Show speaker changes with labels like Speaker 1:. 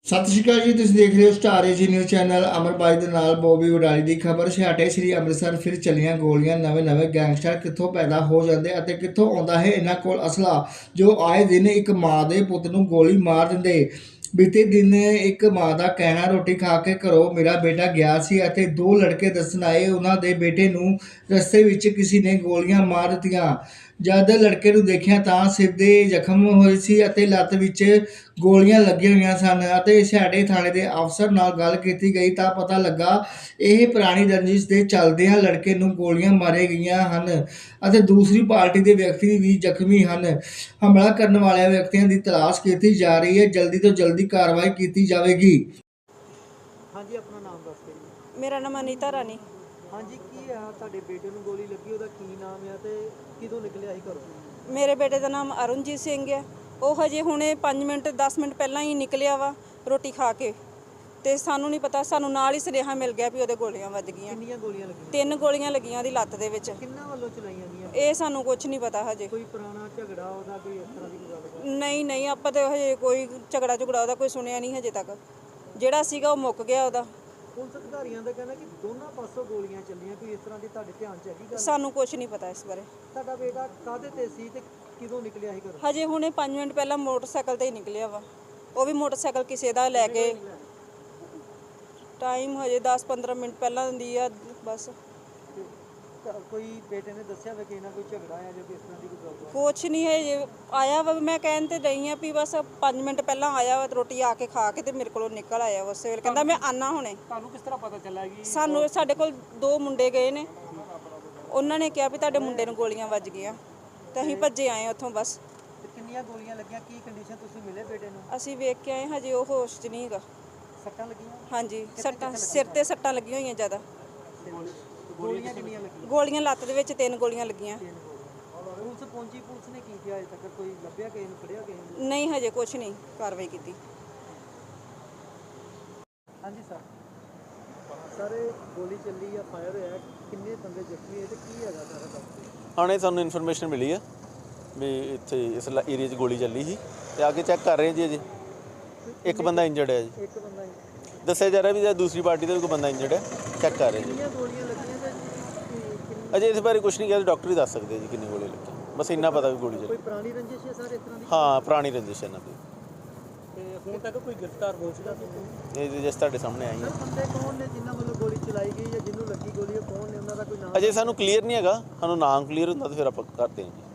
Speaker 1: ਸਤਿ ਸ਼੍ਰੀ ਅਕਾਲ ਜੀ। ਤੁਸੀਂ ਦੇਖ ਰਹੇ ਹੋ ਸਟਾਰ ਏਜੀ ਨਿਊਜ਼ ਚੈਨਲ। ਅਮਰਬਾਈ ਦੇ ਨਾਲ ਬੋਬੀ ਵਡਾਲੀ ਦੀ ਖਬਰ। ਛਾਟੇ ਸ੍ਰੀ ਅੰਮ੍ਰਿਤਸਰ ਫਿਰ ਚੱਲੀਆਂ ਗੋਲੀਆਂ। ਨਵੇਂ ਗੈਂਗਸਟਰ ਕਿੱਥੋਂ ਪੈਦਾ ਹੋ ਜਾਂਦੇ ਅਤੇ ਕਿੱਥੋਂ ਆਉਂਦਾ ਹੈ ਇਹਨਾਂ ਕੋਲ ਅਸਲਾ, ਜੋ ਆਏ ਦਿਨ ਇੱਕ ਮਾਂ ਦੇ ਪੁੱਤ ਨੂੰ ਗੋਲੀ ਮਾਰ ਦਿੰਦੇ। ਬੀਤੇ ਦਿਨ ਇੱਕ ਮਾਂ ਦਾ ਕਹਿਣਾ, ਰੋਟੀ ਖਾ ਕੇ ਘਰੋਂ ਮੇਰਾ ਬੇਟਾ ਗਿਆ ਸੀ ਅਤੇ ਦੋ ਲੜਕੇ ਦੱਸਣ ਆਏ ਉਹਨਾਂ ਦੇ ਬੇਟੇ ਨੂੰ ਰਸਤੇ ਵਿੱਚ ਕਿਸੇ ਨੇ ਗੋਲੀਆਂ ਮਾਰ ਦਿੱਤੀਆਂ। ਜਦ ਲੜਕੇ ਨੂੰ ਦੇਖਿਆ ਤਾਂ ਸਿਰ ਦੇ ਜ਼ਖਮ ਹੋਏ ਸੀ ਅਤੇ ਲੱਤ ਵਿੱਚ ਗੋਲੀਆਂ ਲੱਗੀਆਂ ਹੋਈਆਂ ਸਨ ਅਤੇ ਛਾੜੇ ਥਾਣੇ ਦੇ ਅਫਸਰ ਨਾਲ ਗੱਲ ਕੀਤੀ ਗਈ ਤਾਂ ਪਤਾ ਲੱਗਾ ਇਹ ਪੁਰਾਣੀ ਰੰਜਿਸ਼ ਦੇ ਚੱਲਦਿਆਂ ਲੜਕੇ ਨੂੰ ਗੋਲੀਆਂ ਮਾਰੀਆਂ ਗਈਆਂ ਹਨ ਅਤੇ ਦੂਸਰੀ ਪਾਰਟੀ ਦੇ ਵਿਅਕਤੀ ਵੀ ਜ਼ਖਮੀ ਹਨ। ਹਮਲਾ ਕਰਨ ਵਾਲੇ ਵਿਅਕਤੀਆਂ ਦੀ ਤਲਾਸ਼ ਕੀਤੀ ਜਾ ਰਹੀ ਹੈ। ਜਲਦੀ ਤੋਂ ਜਲਦੀ ਕਾਰਵਾਈ ਕੀਤੀ ਜਾਵੇਗੀ।
Speaker 2: ਹਾਂਜੀ, ਆਪਣਾ ਨਾਮ ਦੱਸ ਦਿਓ ਜੀ।
Speaker 3: ਮੇਰਾ ਨਾਮ ਅਨੀਤਾ ਰਾਣੀ।
Speaker 2: ਹਾਂਜੀ, ਕੀ ਆ ਤੁਹਾਡੇ ਬੇਟੇ ਨੂੰ ਗੋਲੀ ਲੱਗੀ, ਉਹਦਾ ਕੀ ਨਾਮ ਆ ਤੇ ਕਿਦੋਂ ਨਿਕਲਿਆ ਸੀ ਘਰੋਂ?
Speaker 3: ਮੇਰੇ ਬੇਟੇ ਦਾ ਨਾਮ ਅਰੁਣਜੀਤ ਸਿੰਘ ਹੈ। ਉਹ ਹਜੇ ਹੁਣੇ 5 ਮਿੰਟ 10 ਮਿੰਟ ਪਹਿਲਾਂ ਹੀ ਨਿਕਲਿਆ ਵਾ ਰੋਟੀ ਖਾ ਕੇ, ਤੇ ਸਾਨੂੰ ਨਹੀਂ ਪਤਾ, ਸਾਨੂੰ ਨਾਲ ਹੀ ਸੁਨੇਹਾ ਮਿਲ ਗਿਆ ਵੀ ਉਹਦੇ ਗੋਲੀਆਂ ਵੱਜ ਗਈਆਂ।
Speaker 2: ਕਿੰਨੀਆਂ ਗੋਲੀਆਂ ਲੱਗੀਆਂ?
Speaker 3: 3 ਗੋਲੀਆਂ ਲੱਗੀਆਂ ਉਹਦੀ ਲੱਤ ਦੇ ਵਿੱਚ।
Speaker 2: ਕਿੰਨਾਂ ਵੱਲੋਂ ਚਲਾਈਆਂ ਗਈਆਂ?
Speaker 3: ਇਹ ਸਾਨੂੰ ਕੁਝ ਨਹੀਂ ਪਤਾ ਹਜੇ।
Speaker 2: ਕੋਈ ਪੁਰਾਣਾ ਝਗੜਾ ਉਹਦਾ, ਕੋਈ ਇਸ ਤਰ੍ਹਾਂ ਦੀ ਕੋਈ ਗੱਲ?
Speaker 3: ਨਹੀਂ, ਆਪਾਂ ਤਾਂ ਹਜੇ ਕੋਈ ਝਗੜਾ ਉਹਦਾ ਕੋਈ ਸੁਣਿਆ ਨਹੀਂ ਹਜੇ ਤੱਕ। ਜਿਹੜਾ ਸੀਗਾ ਉਹ ਮੁੱਕ ਗਿਆ ਉਹਦਾ।
Speaker 2: ਪੁਲਿਸ ਅਧਿਕਾਰੀਆਂ ਦਾ ਕਹਿਣਾ ਕਿ ਦੋਨਾਂ ਪਾਸੋਂ ਗੋਲੀਆਂ ਚੱਲੀਆਂ, ਕੋਈ ਇਸ ਤਰ੍ਹਾਂ ਦੀ ਤੁਹਾਡੇ ਧਿਆਨ 'ਚ ਹੈਗੀ ਗੱਲ?
Speaker 3: ਸਾਨੂੰ ਕੁਝ ਨਹੀਂ ਪਤਾ ਇਸ ਬਾਰੇ।
Speaker 2: ਤੁਹਾਡਾ ਬੇਟਾ ਕਾਹਦੇ ਤੇ ਸੀ ਤੇ ਕਿਦੋਂ ਨਿਕਲਿਆ ਸੀ ਘਰੋਂ?
Speaker 3: ਹਜੇ ਹੁਣੇ 5 ਮਿੰਟ ਪਹਿਲਾਂ ਮੋਟਰਸਾਈਕਲ ਤੇ ਹੀ ਨਿਕਲਿਆ ਵਾ। ਉਹ ਵੀ ਮੋਟਰਸਾਈਕਲ ਕਿਸੇ ਦਾ ਲੈ ਕੇ। ਟਾਈਮ ਹਜੇ 10-15 ਮਿੰਟ ਪਹਿਲਾਂ ਦੀ ਆ ਬਸ।
Speaker 2: ਕੋਈ ਬੇਟੇ ਨੇ ਦੱਸਿਆ ਵਾ ਕਿ ਇਹਨਾਂ ਕੋਈ ਝਗੜਾ ਆ ਜਾਂ ਕੋਈ ਇਸ ਤਰ੍ਹਾਂ ਦੀ ਕੋਈ ਗੱਲ?
Speaker 3: ਕੁਛ ਨਹੀਂ ਹੈ, ਆਇਆ ਵਾ। ਮੈਂ ਕਹਿਣ ਤੇ ਰਹੀ ਹਾਂ ਵੀ ਬਸ 5 ਮਿੰਟ ਪਹਿਲਾਂ ਆਇਆ ਵਾ, ਰੋਟੀ ਆ ਕੇ ਖਾ ਕੇ ਤੇ ਮੇਰੇ ਕੋਲੋਂ ਨਿਕਲ ਆਇਆ ਉਸੇ ਵੇਲੇ। ਕਹਿੰਦਾ ਮੈਂ ਆਨਾ ਹੁਣੇ।
Speaker 2: ਤੁਹਾਨੂੰ ਕਿਸ ਤਰ੍ਹਾਂ ਪਤਾ ਚੱਲਿਆ ਕਿ
Speaker 3: ਸਾਡੇ ਕੋਲ 2 ਮੁੰਡੇ ਗਏ ਨੇ, ਉਹਨਾਂ ਨੇ ਕਿਹਾ ਵੀ ਤੁਹਾਡੇ ਮੁੰਡੇ ਨੂੰ ਗੋਲੀਆਂ ਵੱਜ ਗਈਆਂ ਤੇ ਅਸੀਂ ਭੱਜੇ ਆਏ ਉੱਥੋਂ ਬਸ।
Speaker 2: ਕਿੰਨੀਆਂ ਗੋਲੀਆਂ ਲੱਗੀਆਂ, ਕੀ ਕੰਡੀਸ਼ਨ, ਤੁਸੀਂ ਮਿਲੇ ਬੇਟੇ ਨੂੰ?
Speaker 3: ਅਸੀਂ ਵੇਖ ਕੇ ਆਏ, ਹਜੇ ਉਹ ਹੋਸ਼ 'ਚ ਨਹੀਂ ਹੈਗਾ।
Speaker 2: ਸੱਟਾਂ ਲੱਗੀਆਂ?
Speaker 3: ਹਾਂਜੀ, ਸੱਟਾਂ ਸਿਰ ਤੇ ਸੱਟਾਂ ਲੱਗੀਆਂ ਹੋਈਆਂ ਜ਼ਿਆਦਾ।
Speaker 2: ਗੋਲੀਆਂ ਕਿੰਨੀਆਂ ਲੱਗੀਆਂ?
Speaker 3: ਗੋਲੀਆਂ ਲੱਤ ਦੇ ਵਿੱਚ 3 ਗੋਲੀਆਂ ਲੱਗੀਆਂ।
Speaker 2: ਪੁਲਿਸ ਪਹੁੰਚੀ, ਪੁਲਿਸ ਨੇ ਕੀ ਕੀਤਾ ਅਜੇ ਤੱਕ? ਕੋਈ ਲੱਭਿਆ ਕਿਸੇ ਨੂੰ, ਫੜਿਆ ਕਿਸੇ ਨੂੰ?
Speaker 3: ਨਹੀਂ, ਹਜੇ ਕੁਛ ਨਹੀਂ ਕਾਰਵਾਈ ਕੀਤੀ।
Speaker 2: ਹਾਂਜੀ ਸਰ, ਗੋਲੀ ਚੱਲੀ ਆ, ਫਾਇਰ ਹੋਇਆ, ਕਿੰਨੇ ਬੰਦੇ ਜ਼ਖਮੀ ਹੋਏ ਤੇ ਕੀ ਹੈਗਾ ਸਾਰਾ ਦੱਸੋ?
Speaker 4: ਹਾਣੇ ਸਾਨੂੰ ਇਨਫੋਰਮੇਸ਼ਨ ਮਿਲੀ ਆ ਵੀ ਇੱਥੇ ਇਸ ਏਰੀਆ 'ਚ ਗੋਲੀ ਚੱਲੀ ਸੀ ਤੇ ਆ ਕੇ ਚੈੱਕ ਕਰ ਰਹੇ ਜੀ। ਅਜੇ ਇੱਕ ਬੰਦਾ ਇੰਜਰਡ ਹੈ ਜੀ।
Speaker 2: ਇੱਕ ਬੰਦਾ
Speaker 4: ਦੱਸਿਆ ਜਾ ਰਿਹਾ ਵੀ ਦੂਸਰੀ ਪਾਰਟੀ ਦਾ ਵੀ ਕੋਈ ਬੰਦਾ ਇੰਜਰਡ ਹੈ। ਚੈੱਕ ਕਰ ਰਹੇ ਜੀ।
Speaker 2: ਕਿੰਨੀਆਂ ਗੋਲੀਆਂ ਲੱਗੀਆਂ ਤੇ
Speaker 4: ਅਜੇ ਇਸ ਬਾਰੇ ਕੁਝ ਨਹੀਂ ਕਿਹਾ, ਡਾਕਟਰ ਹੀ ਦੱਸ ਸਕਦੇ ਜੀ ਕਿੰਨੀ ਗੋਲੀ ਲੱਗੀ। ਬਸ ਇੰਨਾ ਪਤਾ ਵੀ ਗੋਲੀ
Speaker 2: ਕੋਈ
Speaker 4: ਚੱਲੀ।
Speaker 2: ਪੁਰਾਣੀ ਰੰਜਿਸ਼ ਹੈ ਸਰ ਇਸ ਤਰ੍ਹਾਂ ਦੀ?
Speaker 4: ਹਾਂ, ਪੁਰਾਣੀ ਰੰਜਿਸ਼ ਇਹਨਾਂ ਦੀ।
Speaker 2: ਤੇ ਹੁਣ ਤੱਕ ਕੋਈ ਗ੍ਰਿਫਤਾਰ ਹੋ ਚੁੱਕਾ ਸੀ?
Speaker 4: ਇਹ ਜਿਸ ਤੁਹਾਡੇ ਸਾਹਮਣੇ ਆਈ ਹੈ।
Speaker 2: ਸਰ, ਬੰਦੇ ਕੌਣ ਨੇ ਜਿਨ੍ਹਾਂ ਵੱਲੋਂ ਗੋਲੀ ਚਲਾਈ ਗਈ ਜਾਂ ਜਿਹਨੂੰ ਲੱਗੀ ਗੋਲੀ, ਉਹ ਕੌਣ ਨੇ, ਉਹਨਾਂ ਦਾ ਕੋਈ ਨਾਮ?
Speaker 4: ਅਜੇ ਸਾਨੂੰ ਕਲੀਅਰ ਨਹੀਂ ਹੈਗਾ। ਸਾਨੂੰ ਨਾਮ ਕਲੀਅਰ ਹੁੰਦਾ ਤਾਂ ਫਿਰ ਆਪਾਂ ਕਰਦੇ ਹਾਂ ਜੀ।